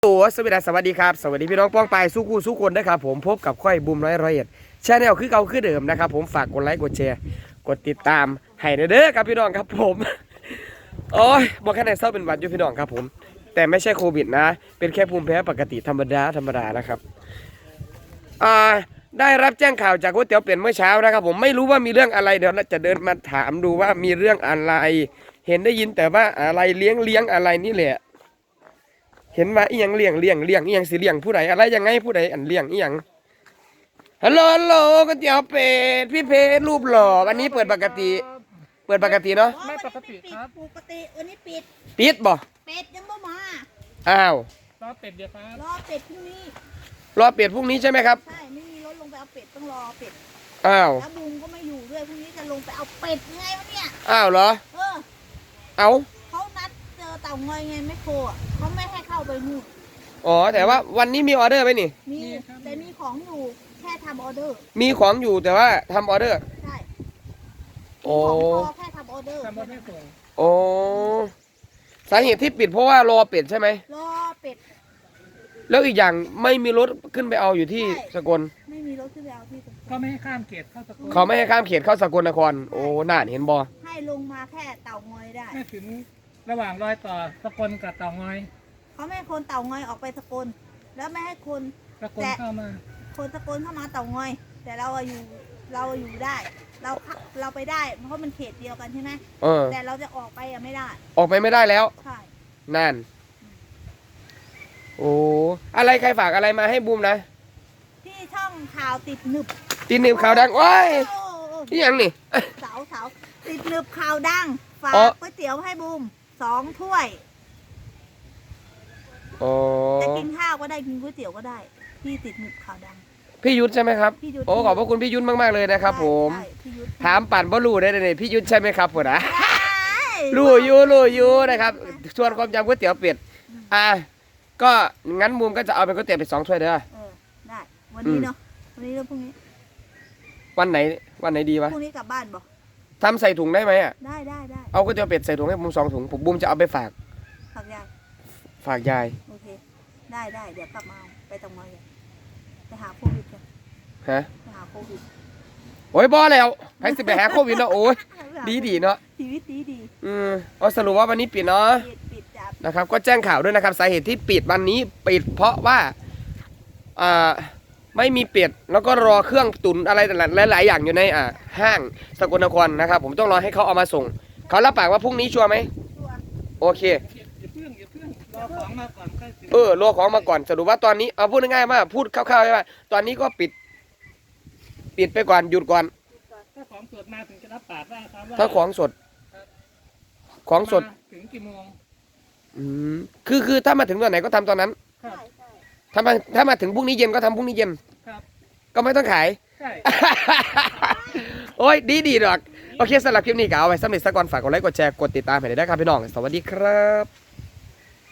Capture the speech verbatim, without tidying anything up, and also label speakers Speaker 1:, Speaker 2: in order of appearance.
Speaker 1: ตัวสวัสดีสวัสดีครับสวัสดีพี่น้องป้องปายสู้คู่สู้คนนะครับผมพบกับค่อยบุมร้อยร้อยเอ็ดชาแนลคือเก่าคือเดิมนะครับผมฝากกดไลค์กดแชร์กดติดตามให้เด้อครับพี่น้องครับผมโอ้ยบอกแค่ไหนเศร้าเป็นหวัดอยู่พี่น้องครับผมแต่ไม่ใช่โควิดนะเป็นแค่ภูมิแพ้ปกติธรรมดาธรรมดานะครับอ่าได้รับแจ้งข่าวจากก๋วยเตี๋ยวเปลี่ยนเมื่อเช้านะครับผมไม่รู้ว่ามีเรื่องอะไรเดี๋ยวจะเดินมาถามดูว่ามีเรื่องอะไรเห็นได้ยินแต่ว่าอะไรเลี้ยงเลี้ยงอะไรนี่แหละเห็นว่าอีหยังเลี้ยงเลี้ยงเลี้ยงอีหยังสิเลี้ยงผู้ใดอะไรยังไงผู้ใดอันเลี้ยงอีหยังฮัลโหลฮัลโหลก๋วยเตี๋ยวเป็ดพี่เพชรรูปหล่อวันนี้เปิดปกติเปิดปกติเนาะ
Speaker 2: ไม่ปกติครับปกติวันนี้ปิด
Speaker 1: ปิดบ่
Speaker 2: เป็ดยังไม่มา
Speaker 1: อ้าว
Speaker 3: รอเป็ดเดียวครับ
Speaker 2: รอเป็ดพรุ่งนี้
Speaker 1: รอเป็ดพรุ่งนี้ใช่ไหมครับ
Speaker 2: ใช่ไม่มีรถลงไปเอาเป็ดต้องรอเป็ด
Speaker 1: อ้าว
Speaker 2: แล้วบุงก็ไม่อยู่ด้วยพรุ่งนี้จะลงไปเอาเป็ดไงวะเนี่ย
Speaker 1: อ้าวเหรอ
Speaker 2: เออ
Speaker 1: เอา
Speaker 2: เขานัดเจอเต่างอยไงไม่โคอ่ะเขาไม่ให้เข้าไปนู่น
Speaker 1: อ๋อแต่ว่าวันนี้มีออเดอร์ไหมนี่
Speaker 2: มีแต่มีของอยู่แค่ทำออเดอร์
Speaker 1: มีของอยู่แต่ว่าทำออเดอร์
Speaker 2: ใช่
Speaker 1: โอ้
Speaker 2: แค่ทำออเดอร์
Speaker 3: ทำมาแค่ส่ง
Speaker 1: โอ้สาเหตุที่ปิดเพราะว่ารอเป็ดใช่ไหม
Speaker 2: รอเป็ด
Speaker 1: แล้วอีกอย่างไม่มีรถขึ้นไปเอาอยู่ที่สกล
Speaker 2: ไม่มีรถขึ้นไปเอาที่สกล
Speaker 3: ก็ไม่ให้ข้ามเขตเข้าสกล
Speaker 1: เขาไม่ให้ข้ามเขตเข้าสกลนครโอ้น่าเห็นบอ
Speaker 2: ให้ลงมาแค่เต่างอยได้
Speaker 3: ไม่ถึงระหว่างรอยต่อสกลกับเต่างอย
Speaker 2: เขาไม่ให้คนเต่างอยออกไปสกลแล้วไม่ให้คน
Speaker 3: สกลเข้ามา
Speaker 2: คนสกลเข้ามาเต่างอยแต่เราอยู่เราอยู่ได้เราเราไปได้เพราะมันเขตเดียวกันใช่ไหม
Speaker 1: เออ
Speaker 2: แต่เราจะออกไปอะไม่ได้
Speaker 1: ออกไปไม่ได้แล้ว
Speaker 2: ใช่
Speaker 1: นั่นโอ้อะไรใครฝากอะไรมาให้บูมนะ
Speaker 2: ที่ช่องข่าวติดหนึบ
Speaker 1: ติดหนึบข่าวดังโอ้ยนี่ยังนี่
Speaker 2: เสาเสาติดหนึบข่าวดังฝากก๋วยเตี๋ยวให้บูมสองถ้วยจะกินข้าวก็ได้กินก๋วยเตี๋ยวก็ได้ที่ติดหนึบข่าวดัง
Speaker 1: พี่ยุทธใช่ไหมครับโอ้ขอบพระคุณพี่ยุทธมากๆเลยนะครับผมถามปั่นบ่รู้ได้เลยพี่ยุทธใช่ไหมครับผมนะรู้อยู่รู้อยู่นะครับชวนความจำก๋วยเตี๋ยวเป็ดอ่ะก็งั้นมุมก็จะเอาเป็นก๋วยเตี๋ยวเป็ดสองถ้วยเด้อ
Speaker 2: เออได้วันนี้เนาะวันนี้แล้วพรุ่งนี้
Speaker 1: วันไหนวันไหนดีวะ
Speaker 2: พรุ่งนี้กลับบ้านบ่
Speaker 1: ทำใส่ถุงได้ไหมอ่ะ
Speaker 2: ได้ได้ได้
Speaker 1: เอาก๋วยเตี๋ยวเป็ดใส่ถุงให้มุมสองถุงผมบุมจะเอาไปฝาก
Speaker 2: ฝากยาย
Speaker 1: ฝากยาย
Speaker 2: โอเคได้ได้เดี๋ยวกลับมาไปตรงมาเลยไปหาโควิดกัน
Speaker 1: ฮะ
Speaker 2: ไปหาโควิด
Speaker 1: โอ้ยบอแล้วให้สิไปหาโควิดเนาะโอ้ยดีดีเนาะ
Speaker 2: ชีวิตดีดี
Speaker 1: อืมเอาสรุปว่าวันนี้ปิดเนาะ
Speaker 2: ปิดจับ
Speaker 1: นะครับก็แจ้งข่าวด้วยนะครับสาเหตุที่ปิดวันนี้ปิดเพราะว่าอ่าไม่มีเป็ดแล้วก็รอเครื่องตุ๋นอะไรหลายๆอย่างอยู่ในอ่าห้างสกลนครนะครับผมต้องรอให้เขาเอามาส่งเขารับปากว่าพรุ่งนี้ชัวร์ไหมโอเค
Speaker 3: อย่าเพิ่งอย่าเพิ่งรอของมาก่อนค่อยซื้อ
Speaker 1: เออรอของมาก่อนสรุปว่าตอนนี้เอาพูดง่ายๆว่าพูดคร่าวๆว่าตอนนี้ก็ปิดปิดไปก่อนหยุดก่อน
Speaker 3: ถ้าของสดมาถึงจะรับปากได้ครับว่า
Speaker 1: ถ้าของสดของสด
Speaker 3: ถึงกี่โมง
Speaker 1: อืมคือคือถ้ามาถึงตอนไหนก็ทำตอนนั้นถ้ามาถ้ามาถึงพรุ่งนี้เย็นก็ทำพรุ่งนี้เย็นก็ไม่ต้องขายโอ้ยดีดีดอกโอเคสำหรับคลิปนี้ก็เอาไว้สำหรับสักก่อนฝากกดไลค์กดแชร์กดติดตามให้ได้ครับพี่น้องสวัสดีครับ